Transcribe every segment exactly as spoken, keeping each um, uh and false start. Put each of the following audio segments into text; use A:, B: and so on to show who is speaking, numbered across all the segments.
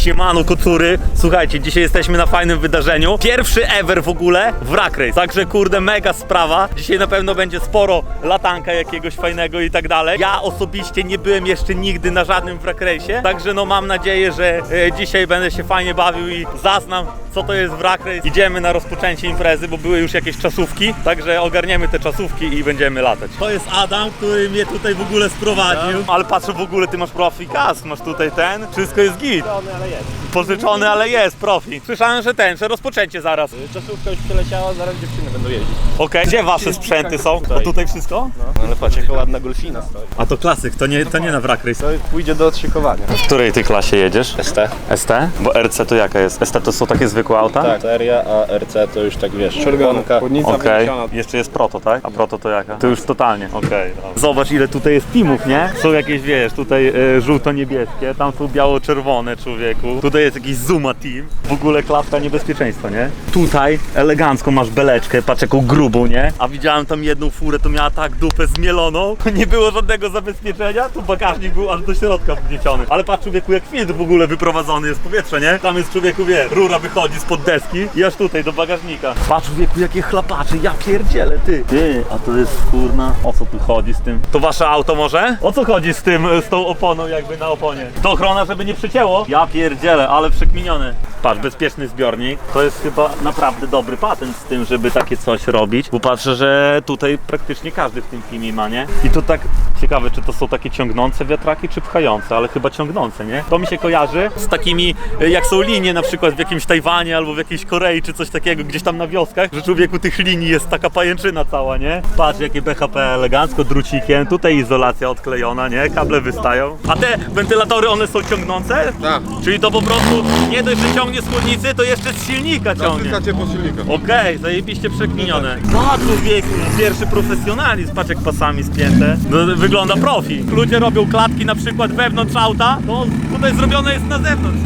A: Siemano kocury, słuchajcie, dzisiaj jesteśmy na fajnym wydarzeniu. Pierwszy ever w ogóle wrak race, także kurde mega sprawa. Dzisiaj na pewno będzie sporo latanka jakiegoś fajnego i tak dalej. Ja osobiście nie byłem jeszcze nigdy na żadnym wrak race'ie, także no mam nadzieję, że e, dzisiaj będę się fajnie bawił i zaznam, co to jest wrak race. Idziemy na rozpoczęcie imprezy, bo były już jakieś czasówki, także ogarniemy te czasówki i będziemy latać. To jest Adam, który mnie tutaj w ogóle sprowadził. Ale patrzę, w ogóle ty masz profi kask, masz tutaj ten, wszystko jest git.
B: Ale jest.
A: Pożyczony, ale jest profi. Słyszałem, że ten, że rozpoczęcie zaraz.
B: Czasówka już przeleciała, zaraz dziewczyny będą jeździć.
A: Okej, okay. Gdzie wasze sprzęty są? To tutaj wszystko?
B: No, ale patrz, jaka ładna golfina stoi.
A: A to klasyk, to nie, to nie na wrak race.
B: To pójdzie do odszykowania.
A: W której ty klasie jedziesz?
B: S T.
A: S T? Bo R C to jaka jest? S T to są takie zwykłe auta?
B: Tak, seria, a R C to już tak wiesz, czerwonka.
A: Okej, okay. Jeszcze jest Proto, tak? A Proto to jaka? To już totalnie, okej. Okay, zobacz ile tutaj jest teamów, nie? Są jakieś, wiesz, tutaj e, żółto-niebieskie, tam są biało-czerwone, człowieku. Tutaj jest jakiś Zuma team. W ogóle klatka niebezpieczeństwa, nie? Tutaj elegancko masz beleczkę, patrz jaką grubą, nie? A widziałem tam jedną furę, to miała tak dupę zmieloną. Nie było żadnego zabezpieczenia, tu bagażnik był aż do środka wgnieciony. Ale patrz człowieku, jak filtr w ogóle wyprowadzony jest w powietrze, nie? Tam jest człowieku, wie, rura wychodzi spod deski i aż tutaj do bagażnika. Patrz człowieku, jakie chlapacze, ja pierdzielę, ty. Ty, a to jest kurna, o co tu chodzi z tym? To wasze auto może? O co chodzi z tym, z tą oponą jakby na oponie? To ochrona, żeby nie przycięło? Ja pierdzielę, ale przekminiony. Patrz, bezpieczny zbiornik. To jest chyba naprawdę dobry patent z tym, żeby takie coś robić, bo patrzę, że tutaj praktycznie każdy w tym teamie ma, nie? I to tak ciekawe, czy to są takie ciągnące wiatraki, czy pchające, ale chyba ciągnące, nie? To mi się kojarzy z takimi, jak są linie na przykład w jakimś Tajwanie albo w jakiejś Korei, czy coś takiego, gdzieś tam na wioskach, że człowieku tych linii jest taka pajęczyna cała, nie? Patrz, jakie B H P elegancko, drucikiem, tutaj izolacja odklejona, nie? Kable wystają. A te wentylatory, one są ciągnące?
C: Tak.
A: Czyli to po prostu nie dość, że ciągnie z chłodnicy, to jeszcze z silnika ciągnie.
C: Tak, ciepło silnika.
A: Okej, okay, zajebiście przekminione. No człowieku, pierwszy profesjonalizm, patrz jak pasami spięte. No, wygląda profi. Ludzie robią klatki na przykład wewnątrz auta, to tutaj zrobione jest na zewnątrz.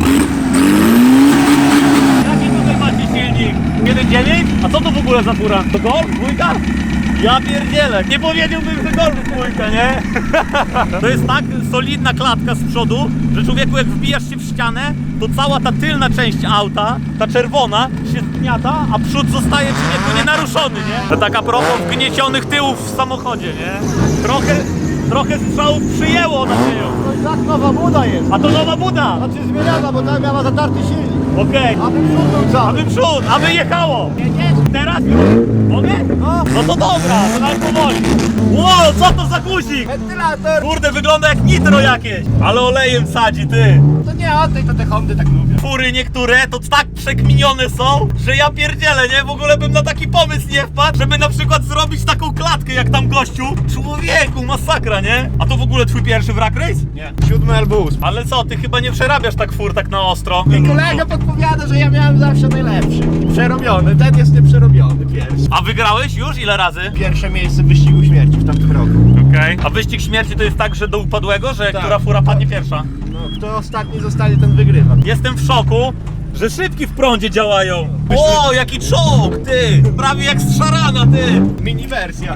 A: Jaki tutaj macie silnik? jeden dziewięć? A co to w ogóle za fura? To Golf? Dwójka? Ja pierdzielę, nie powiedziałbym, że Golf dwójka, nie? To jest tak solidna klatka z przodu, że człowieku jak wbijasz się w ścianę, to cała ta tylna część auta, ta czerwona, się zgniata, a przód zostaje człowieku nienaruszony, nie? To taka propos wgniecionych tyłów w samochodzie, nie? Trochę, trochę strzałów przyjęło nadzieją.
D: To i tak nowa buda jest.
A: A to nowa buda!
D: Znaczy zmieniana, bo tam miała zatarty silnik.
A: Okej.
D: Aby przód był cały.
A: Aby przód, aby jechało!
D: Jedziesz?
A: Teraz już? Mogę?
D: No.
A: No to dobra, to nawet powoli. Ło, co to za guzik?
D: Wentylator.
A: Kurde, wygląda jak nitro jakieś. Ale olejem sadzi, ty.
D: To nie o tej, to te Hondy tak lubię.
A: Fury niektóre to tak przekminione są, że ja pierdzielę, nie? W ogóle bym na taki pomysł nie wpadł, żeby na przykład zrobić taką klatkę jak tam gościu. Człowieku, masakra, nie? A to w ogóle twój pierwszy wrak race?
B: Nie, siódmy albo ósmy.
A: Ale co, ty chyba nie przerabiasz tak fur tak na ostro.
D: I kolega podpowiada, że ja miałem zawsze najlepszy. Przerobiony, ten jest nieprzerobiony pierwszy.
A: A wygrałeś już? Ile razy?
B: Pierwsze miejsce w wyścigu śmierci w tamtym roku.
A: Okej. Okay. A wyścig śmierci to jest tak, że do upadłego, że
B: Tak.
A: która fura padnie pierwsza?
B: No, kto ostatni zostanie, ten wygrywa.
A: Jestem w szoku, że szybki w prądzie działają. O, jaki czołg, ty! Prawie jak z szarana, ty!
B: Mini wersja.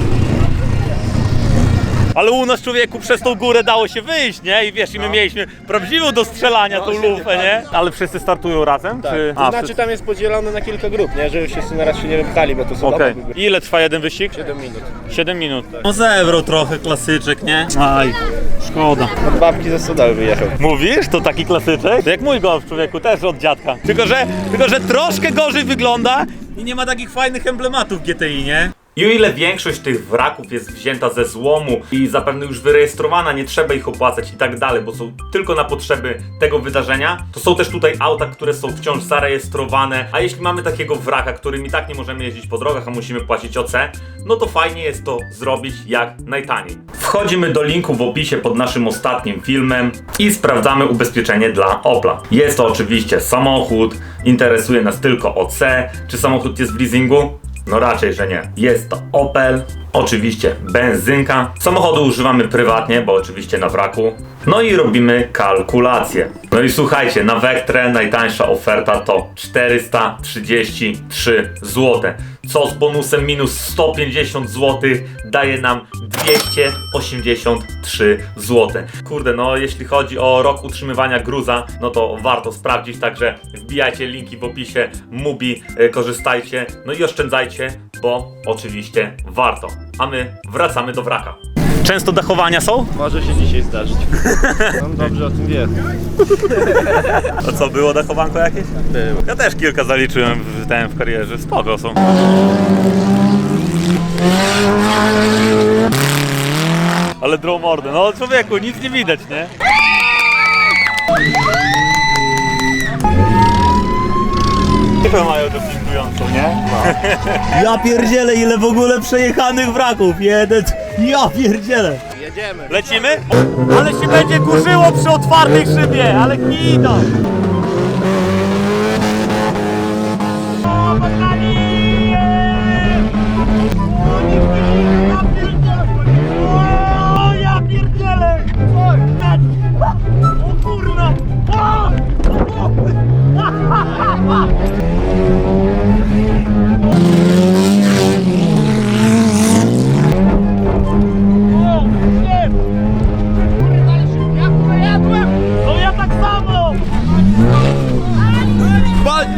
A: Ale u nas człowieku przez tą górę dało się wyjść, nie? I wiesz, i my mieliśmy prawdziwą do strzelania tą lufę, nie? Ale wszyscy startują razem?
B: Tak.
A: Czy...
B: To znaczy tam jest podzielone na kilka grup, nie? Żeby wszyscy na raz się nie wypchali, bo to są
A: Okej.
B: okay.
A: Ile trwa jeden wyścig?
B: siedem minut.
A: siedem minut. No zebrał trochę klasyczek, nie? Aj, szkoda.
B: Od babki ze Sodały wyjechał.
A: Mówisz? To taki klasyczek? To jak mój golf, człowieku, też od dziadka. Tylko że, tylko, że troszkę gorzej wygląda i nie ma takich fajnych emblematów G T I, nie? I o ile większość tych wraków jest wzięta ze złomu i zapewne już wyrejestrowana, nie trzeba ich opłacać i tak dalej, bo są tylko na potrzeby tego wydarzenia, to są też tutaj auta, które są wciąż zarejestrowane, a jeśli mamy takiego wraka, którym i tak nie możemy jeździć po drogach, a musimy płacić O C, no to fajnie jest to zrobić jak najtaniej. Wchodzimy do linku w opisie pod naszym ostatnim filmem i sprawdzamy ubezpieczenie dla Opla. Jest to oczywiście samochód, interesuje nas tylko O C. Czy samochód jest w leasingu? No raczej, że nie. Jest to Opel Oczywiście benzynka. Samochodu używamy prywatnie, bo oczywiście na wraku. No i robimy kalkulację. No i słuchajcie, na Vectre najtańsza oferta to czterysta trzydzieści trzy złote. Co z bonusem minus sto pięćdziesiąt złotych daje nam dwieście osiemdziesiąt trzy złote. Kurde, no jeśli chodzi o rok utrzymywania gruza, no to warto sprawdzić, także wbijajcie linki w opisie, Mubi, e, korzystajcie, no i oszczędzajcie, bo oczywiście warto. A my wracamy do wraka. Często dachowania są?
B: Może się dzisiaj zdarzyć. On dobrze o tym wie.
A: A co, było dachowanko jakieś?
B: Było.
A: Ja też kilka zaliczyłem w, ten, w karierze, spoko są. Ale drą mordę, no człowieku, nic nie widać, nie? Typę mają dopingującą, nie? No. Ja pierdzielę, ile w ogóle przejechanych wraków, jeden, ja pierdzielę.
B: Jedziemy.
A: Lecimy? Ale się będzie kurzyło przy otwartej szybie, ale kida! O ja pierdzielę! O kurna! No ja tak samo!
D: Pali!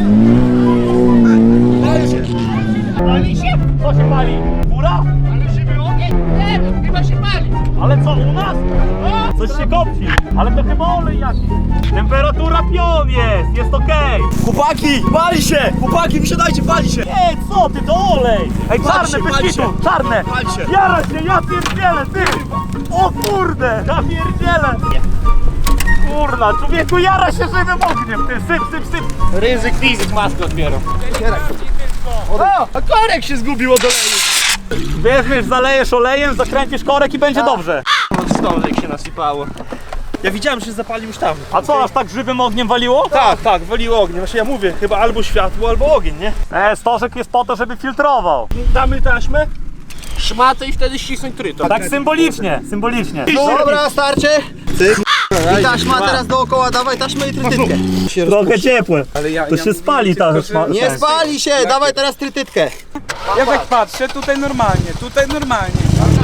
D: Pali się!
A: Pali się? Co się pali? Fura?
D: Ale żywy ogień? Nie, chyba się pali!
A: Ale co, u nas? Coś się kopci, ale to chyba olej jakiś. Temperatura pion jest, jest okej.
D: Chłopaki! Pali się! Chłopaki, wysiadajcie, pali się!
A: Ej, co ty, to olej! Ej,
D: Pali
A: czarne,
D: się,
A: bez
D: pali
A: kitu,
D: się.
A: czarne!
D: Pali się.
A: Jara się, ja pierdzielę, ty! O kurde, ja pierdzielę! Kurna, człowieku, jara się żywym ogniem, ty, syp, syp, syp!
B: Ryzyk fizyk maskę odbierą.
D: O! A korek się zgubił od oleju!
A: Wiesz, wiesz, zalejesz olejem, zakręcisz korek i będzie dobrze.
B: Od stążek się nasypało. Ja widziałem, że się zapalił już tam.
A: A co, aż tak żywym ogniem waliło?
B: Tak, tak, waliło ogień. Właśnie ja mówię, chyba albo światło, albo ogień, nie?
A: E, stożek jest po to, żeby filtrował.
B: Damy taśmę, szmatę i wtedy ścisnąć tryton.
A: Tak symbolicznie, symbolicznie.
D: Dobra, starczy! I taśma teraz dookoła, dawaj taśmę i trytytkę.
A: Trochę ciepłe.
B: Ale ja,
A: To się spali ta szma...
D: Nie spali się, dawaj teraz trytytkę.
C: Ja tak patrzę, tutaj normalnie, tutaj normalnie.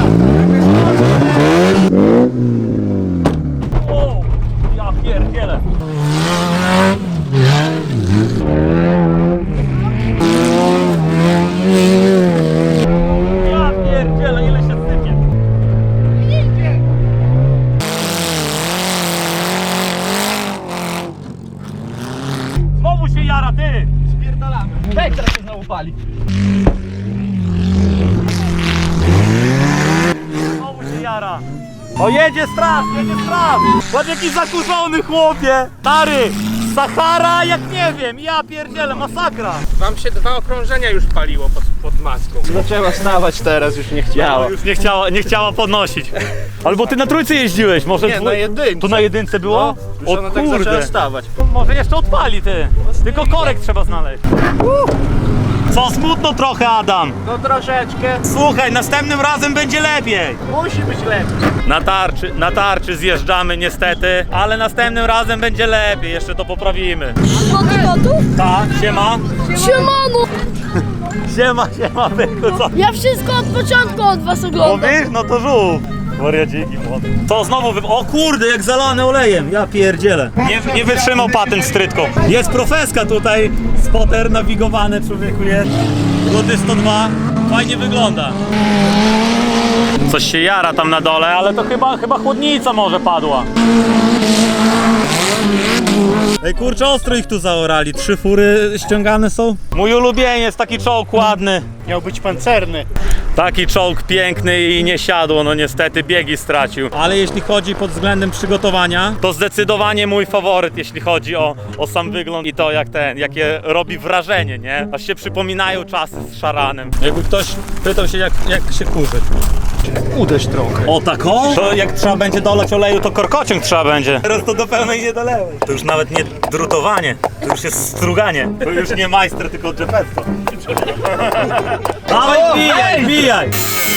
A: O, ja pierdzielę. Ja pierdzielę, ile się sypie. Znowu się jara, ty!
B: Spierdalamy. Weź, teraz się znowu pali.
A: Znowu się jara. O, jedzie straż, jedzie straż! Patrz jaki zakurzony chłopie! Stary! Sahara jak nie wiem, ja pierdzielę, masakra!
B: Wam się dwa okrążenia już paliło pod, pod maską. Zaczęła stawać teraz, już nie chciała.
A: No, już nie chciała, nie chciała podnosić. Albo ty na trójce jeździłeś, może
B: Nie,
A: twój-
B: na jedynce.
A: Tu na jedynce było?
B: No, już ona tak zaczęła stawać.
A: Może jeszcze odpali ty. Tylko korek trzeba znaleźć. Co, smutno trochę, Adam.
B: No troszeczkę.
A: Słuchaj, następnym razem będzie lepiej.
B: Musi być lepiej.
A: Na tarczy, na tarczy zjeżdżamy niestety, ale następnym razem będzie lepiej, jeszcze to poprawimy.
E: Mamy gotów?
A: Tak, siema.
E: Siemano!
A: Siema, siema, byku, co?
E: Ja wszystko od początku od was oglądam.
A: Mówisz? No to żółw. Wariaciki młody. To znowu wy... O kurde, jak zalany olejem, ja pierdzielę. Nie, nie wytrzymał patent strytką. Jest profeska tutaj, spotter nawigowany, człowieku jest. Rudy sto dwa, fajnie wygląda. Coś się jara tam na dole, ale to chyba, chyba chłodnica może padła. Ej kurczę, ostro ich tu zaorali, trzy fury ściągane są. Mój ulubieniec, taki czołg ładny.
B: Miał być pancerny.
A: Taki czołg piękny i nie siadło, no niestety biegi stracił. Ale jeśli chodzi pod względem przygotowania, to zdecydowanie mój faworyt, jeśli chodzi o, o sam wygląd i to jak ten, jakie robi wrażenie, nie? Aż się przypominają czasy z szaranem. Jakby ktoś pytał się jak, jak się kurzyć.
B: Uderz trochę.
A: O tak o? To jak trzeba będzie dolać oleju, to korkociąg trzeba będzie. Teraz to do pełnej nie dolewaj. To już nawet nie drutowanie, to już jest struganie. To już nie majster, tylko dżepetto. Dawaj, wbijaj, wbijaj!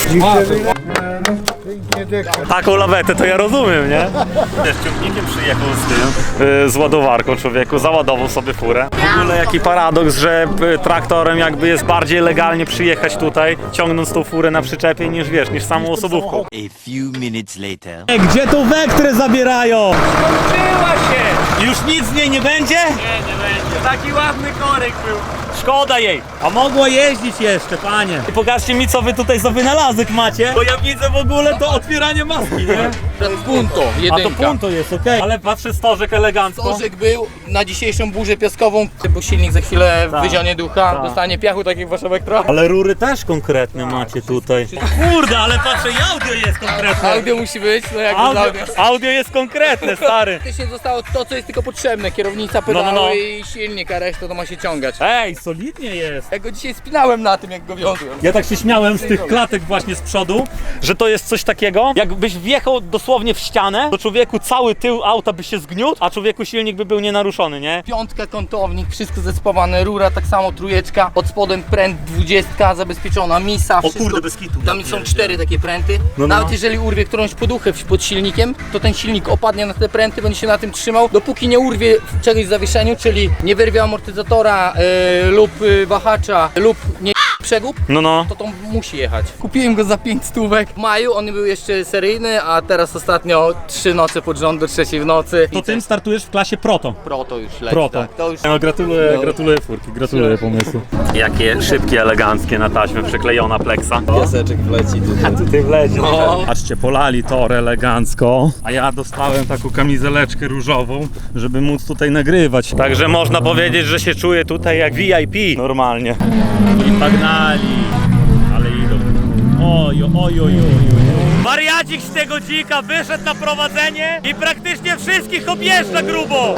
A: Taką lawetę to ja rozumiem, nie? Wiesz, ciągnikiem przyjechał z tym, yy, z ładowarką człowieku, załadował sobie furę. W ogóle jaki paradoks, że y, traktorem jakby jest bardziej legalnie przyjechać tutaj, ciągnąc tą furę na przyczepie niż wiesz, niż samą osobówką.
F: A few minutes later.
A: Gdzie tą Vectrę zabierają?
B: Skończyła się!
A: Już nic z niej nie będzie?
B: Nie, nie będzie. Taki ładny korek był.
A: Szkoda jej. A mogła jeździć jeszcze, panie. I pokażcie mi, co wy tutaj za wynalazek macie, bo ja widzę w ogóle to otwieranie maski, nie?
G: Punto,
A: A to
G: jedynka.
A: punto jest, okej. Ale patrzę, stożek elegancko.
G: Stożek był na dzisiejszą burzę piaskową, bo silnik za chwilę
A: Tak.
G: wyzionie ducha,
A: Tak.
G: dostanie piachu, tak jak wasza Vectra.
A: Ale rury też konkretne macie tutaj. Kurde, ale patrzę, i audio jest konkretne.
G: Audio musi być, no jak
A: Audio,
G: audio.
A: audio jest konkretne, stary.
G: Faktycznie zostało to, co jest tylko potrzebne, kierownica, pedały
A: No, no, no.
G: i silnik, a reszta to ma się ciągać.
A: Ej, solidnie jest.
G: Ja go dzisiaj spinałem na tym, jak go wiozłem.
A: Ja tak się śmiałem z tych klatek właśnie z przodu, że to jest coś takiego, jakbyś wjechał dosłownie w ścianę, to człowieku cały tył auta by się zgniótł, a człowieku silnik by był nienaruszony, nie?
G: Piątka, kątownik, wszystko zespawane, rura tak samo, trójeczka, pod spodem pręt dwudziestka, zabezpieczona, misa, wszystko.
A: kurde, bez kitu.
G: Tam są cztery takie pręty.
A: no.
G: Nawet jeżeli urwie którąś poduchę pod silnikiem, to ten silnik opadnie na te pręty, będzie się na tym trzymał, dopóki nie urwie czegoś w zawieszeniu, czyli nie wyrwie amortyzatora yy, lub yy, wahacza, lub nie przegub,
A: No, no.
G: to to musi jechać. Kupiłem go za pięć stówek. W maju on był jeszcze seryjny, a teraz ostatnio trzy noce pod rząd do trzeciej w nocy.
A: To
G: I
A: tym startujesz w klasie Proto.
G: Proto już leci.
A: Proto.
G: Tak, to już...
A: No, gratuluję,
G: No.
A: gratuluję furki, gratuluję pomysłu. Jakie szybkie, eleganckie na taśmę przyklejona pleksa.
G: Piaseczek wleci tutaj.
A: Tutaj wleci.
G: No.
A: Patrzcie, polali tor elegancko, a ja dostałem taką kamizeleczkę różową, żeby móc tutaj nagrywać. Także można powiedzieć, że się czuję tutaj jak V I P normalnie. I pagnali, ale idą. Oj, oj, oj, oj, oj. Wariacik z tego dzika wyszedł na prowadzenie i praktycznie wszystkich objeżdża grubo.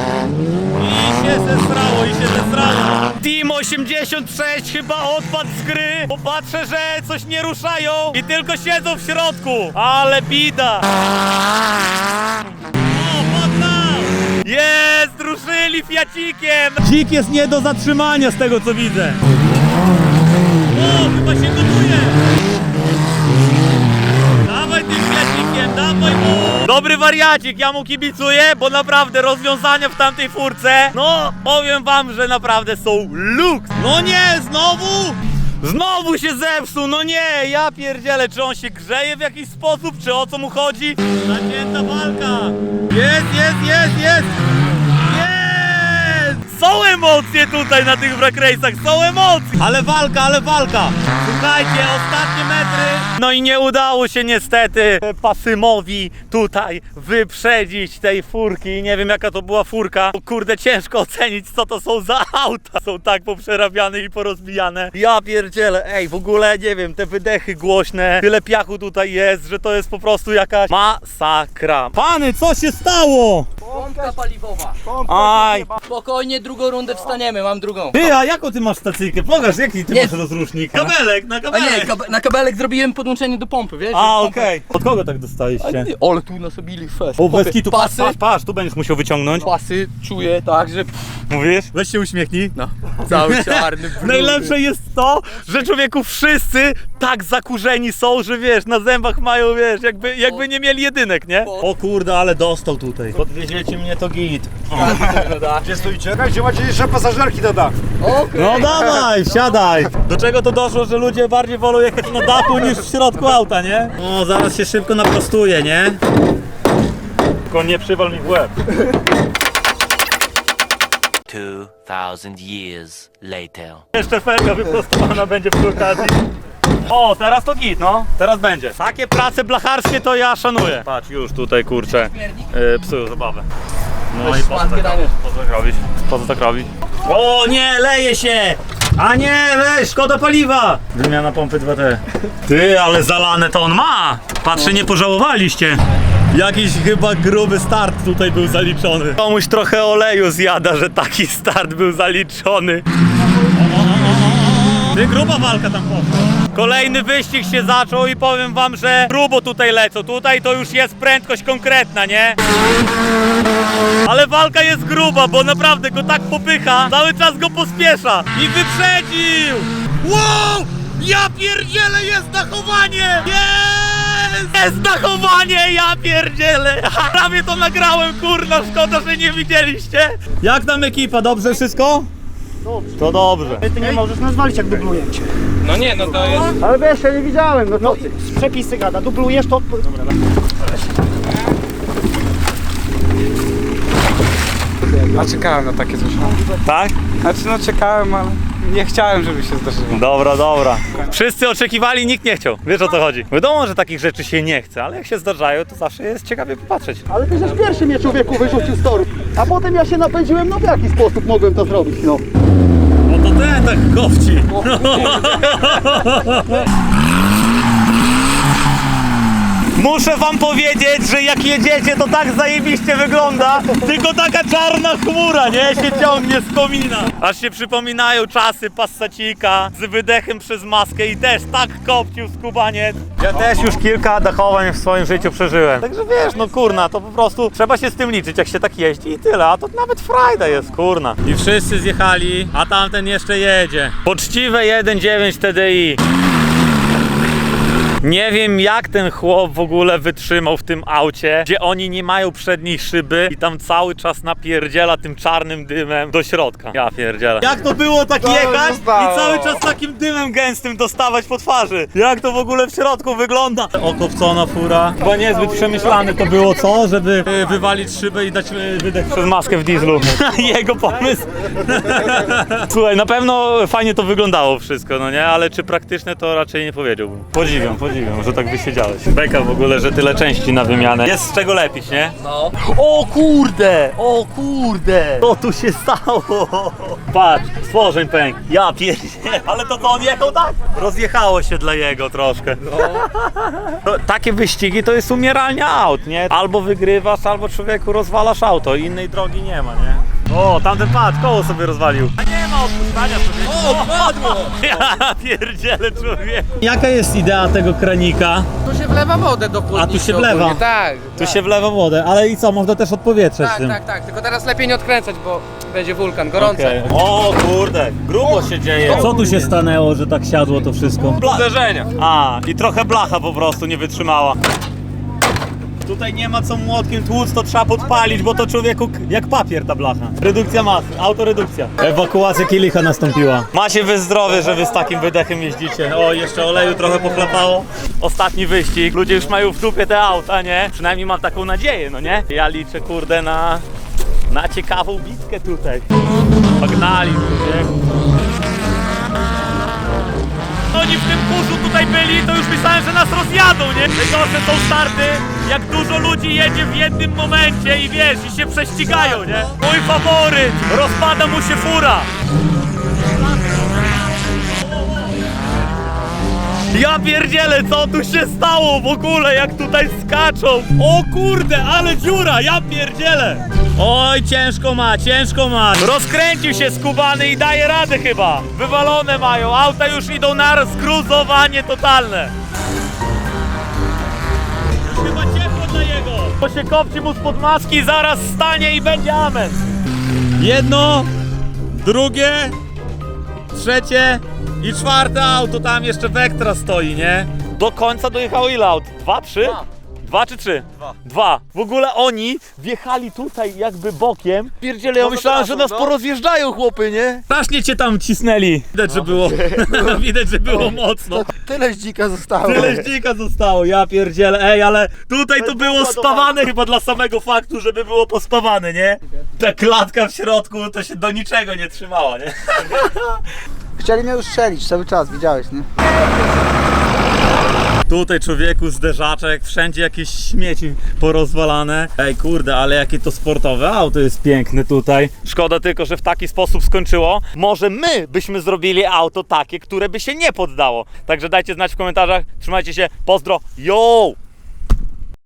A: I się zesrało, i się zesrało. Team osiemdziesiąt sześć chyba odpadł z gry, bo patrzę, że coś nie ruszają i tylko siedzą w środku. Ale bida. O, poddał. Jest, ruszyli fiacikiem. Dzik jest nie do zatrzymania z tego, co widzę. O, chyba się gotuje. Dawaj tym fiacikiem, dawaj mu! Dobry wariacik, ja mu kibicuję, bo naprawdę rozwiązania w tamtej furce, no powiem wam, że naprawdę są luks! No nie, znowu? Znowu się zepsuł, no nie, ja pierdzielę, czy on się grzeje w jakiś sposób, czy o co mu chodzi? Zacięta walka! Jest, jest, jest, jest! Jest! Są emocje tutaj na tych wrak race'ach, są emocje! Ale walka, ale walka! Słuchajcie, ostatnie metry! No i nie udało się niestety Pasymowi tutaj wyprzedzić tej furki. Nie wiem jaka to była furka. Bo kurde, ciężko ocenić co to są za auta. Są tak poprzerabiane i porozbijane. Ja pierdzielę, ej, w ogóle nie wiem, te wydechy głośne, tyle piachu tutaj jest, że to jest po prostu jakaś masakra. Pany, co się stało?
G: Pompka paliwowa.
A: Aj,
G: Spokojnie, drugą rundę wstaniemy, mam drugą.
A: ty, a jaką ty masz stacyjkę? Pokaż, jaki ty
G: Nie.
A: masz rozrusznik? Kabelek, na
G: A
A: kabelek.
G: nie, kab na kabelek zrobiłem podłączenie do pompy, wiesz?
A: A,
G: Pompę-
A: okej. Od kogo tak dostaliście?
G: Ale tu nasobili fest.
A: O, bez kitu, patrz,
G: pasy,
A: patrz, patrz, tu będziesz musiał wyciągnąć.
G: pasy czuję tak, że pff,
A: Mówisz? Weź się uśmiechnij.
G: no, cały czarny brud.
A: Najlepsze jest to, że człowieku wszyscy tak zakurzeni są, że wiesz, na zębach mają, wiesz, jakby, jakby nie mieli jedynek, nie? O kurde, ale dostał tutaj. Podwieziecie mnie, to git.
D: Gdzie stoicie? Gdzie macie jeszcze pasażerki na dach?
G: Okej.
A: No dawaj, wsiadaj. Do czego to doszło, że ludzie bardziej wolą jechać na dachu niż w środku auta, nie? O, zaraz się szybko naprostuje, nie? Tylko nie przywal mi w łeb.
F: Two thousand years later.
A: Jeszcze felga wyprostowana będzie przy okazji. O, teraz to git, no. Teraz będzie. Takie prace blacharskie to ja szanuję. Patrz, już tutaj, kurczę, yy, psują zabawę. No i po co, tak, po co tak robić? Po co tak robić? O nie, leje się! A nie, weź, szkoda paliwa! Wymiana pompy dwa T. Ty, ale zalane to on ma! Patrzę, nie pożałowaliście. Jakiś chyba gruby start tutaj był zaliczony. Komuś trochę oleju zjada, że taki start był zaliczony. Ty, gruba walka tam poszła. Kolejny wyścig się zaczął i powiem wam, że grubo tutaj lecą. Tutaj to już jest prędkość konkretna, nie? Ale walka jest gruba, bo naprawdę go tak popycha, cały czas go pospiesza. I wyprzedził! Wow! Ja pierdzielę, jest dachowanie! Jest! Jest dachowanie, ja pierdzielę! Prawie to nagrałem, kurna, szkoda, że nie widzieliście. Jak tam ekipa, dobrze wszystko? Dobrze. To dobrze.
D: Ty nie możesz nas walić, jak dubluję cię.
B: No nie, no to jest...
D: Ale wiesz, ja nie widziałem, no to ty. Z przepisy gada, dublujesz to... Dobra,
C: A czekałem na takie coś.
A: Tak?
C: Znaczy no czekałem, ale nie chciałem, żeby się zdarzyło.
A: Dobra, dobra. Wszyscy oczekiwali, nikt nie chciał. Wiesz, o co chodzi? Wiadomo, że takich rzeczy się nie chce, ale jak się zdarzają, to zawsze jest ciekawie popatrzeć.
D: Ale ty żeś pierwszy mnie człowieku wyrzucił z toru. A potem ja się napędziłem, no w jaki sposób mogłem to zrobić, no.
A: No to ten tak kowci. Muszę wam powiedzieć, że jak jedziecie, to tak zajebiście wygląda, tylko taka czarna chmura, nie? Się ciągnie z komina. Aż się przypominają czasy Passacika z wydechem przez maskę i też tak kopcił skubaniec. Ja też już kilka dachowań w swoim życiu przeżyłem. Także wiesz, no kurna, to po prostu trzeba się z tym liczyć, jak się tak jeździ i tyle, a to nawet frajda jest, kurna. I wszyscy zjechali, a tamten jeszcze jedzie. Poczciwe jeden dziewięć T D I. Nie wiem, jak ten chłop w ogóle wytrzymał w tym aucie, gdzie oni nie mają przedniej szyby i tam cały czas napierdziela tym czarnym dymem do środka. Ja pierdzielę. Jak to było tak jechać i cały czas takim dymem gęstym dostawać po twarzy? Jak to w ogóle w środku wygląda? Okopcona fura. Chyba niezbyt przemyślane to było, co? Żeby y, wywalić szybę i dać y, wydech przez maskę w dieslu. Jego pomysł. Słuchaj, na pewno fajnie to wyglądało wszystko, no nie? Ale czy praktyczne, to raczej nie powiedziałbym. Podziwiam, podziwiam. Podziwiam, że tak wysiedziałeś. Beka w ogóle, że tyle części na wymianę. Jest z czego lepić, nie?
G: No.
A: O kurde! O kurde! Co tu się stało? Patrz, stworzeń pęk. Ja pierdzie. Ale to co, on jechał tak? Rozjechało się dla jego troszkę. No. Takie wyścigi to jest umieralnia aut, nie? Albo wygrywasz, albo człowieku rozwalasz auto. Innej drogi nie ma, nie? O, tamten patrz, koło sobie rozwalił. A nie ma odpuszczania człowieku.
G: O, padło!
A: Ja pierdzielę człowieku. Jaka jest idea tego kranika?
G: Tu się wlewa wodę do chłodnicy.
A: A tu się wlewa?
G: ogólnie. Tak.
A: Tu
G: tak.
A: się wlewa wodę, ale i co, można też odpowietrzeć
G: Tak,
A: tym?
G: tak, tak. Tylko teraz lepiej nie odkręcać, bo będzie wulkan, gorące.
A: Okej. O kurde, grubo się dzieje. Co tu się stanęło, że tak siadło to wszystko?
B: Uderzenia.
A: A, i trochę blacha po prostu nie wytrzymała. Tutaj nie ma co młotkiem tłuc, to trzeba podpalić, bo to człowieku k- jak papier ta blacha. Redukcja masy, autoredukcja. Ewakuacja kielicha nastąpiła. Macie wy zdrowie, że wy z takim wydechem jeździcie. O, jeszcze oleju trochę pochlapało. Ostatni wyścig. Ludzie już mają w dupie te auta, nie? Przynajmniej mam taką nadzieję, no nie? Ja liczę, kurde, na, na ciekawą bitkę tutaj. Pognali, człowieku. Oni w tym kurzu tutaj byli, to już myślałem, że nas rozjadą, nie? Najgorsze są starty, jak dużo ludzi jedzie w jednym momencie i wiesz, i się prześcigają, nie? Mój faworyt, rozpada mu się fura. Ja pierdzielę, co tu się stało w ogóle, jak tutaj skaczą? O kurde, ale dziura, ja pierdzielę. Oj, ciężko ma, ciężko ma. Rozkręcił się skubany i daje radę chyba. Wywalone mają, auta już idą na zgruzowanie totalne. Już chyba ciepło dla jego. To się kopci mu spod maski, zaraz stanie i będzie amen. Jedno, drugie, trzecie i czwarte auto, tam jeszcze Vectra stoi, nie? Do końca dojechało ile aut? Dwa, trzy? Dwa. Dwa czy trzy? Dwa. Dwa. W ogóle oni wjechali tutaj jakby bokiem. Pierdziele, ja myślałem, że nas porozjeżdżają chłopy, nie? Strasznie cię tam cisnęli. Widać, że było, widać, że było mocno.
D: Tyle dzika zostało.
A: Tyle dzika zostało, ja pierdzielę. Ej, ale tutaj to było spawane chyba dla samego faktu, żeby było pospawane, nie? Ta klatka w środku to się do niczego nie trzymała, nie?
D: Chcieli mnie już strzelić cały czas, widziałeś, nie?
A: Tutaj człowieku zderzaczek, wszędzie jakieś śmieci porozwalane. Ej kurde, ale jakie to sportowe auto jest piękne tutaj. Szkoda tylko, że w taki sposób skończyło. Może my byśmy zrobili auto takie, które by się nie poddało. Także dajcie znać w komentarzach. Trzymajcie się, pozdro, yo!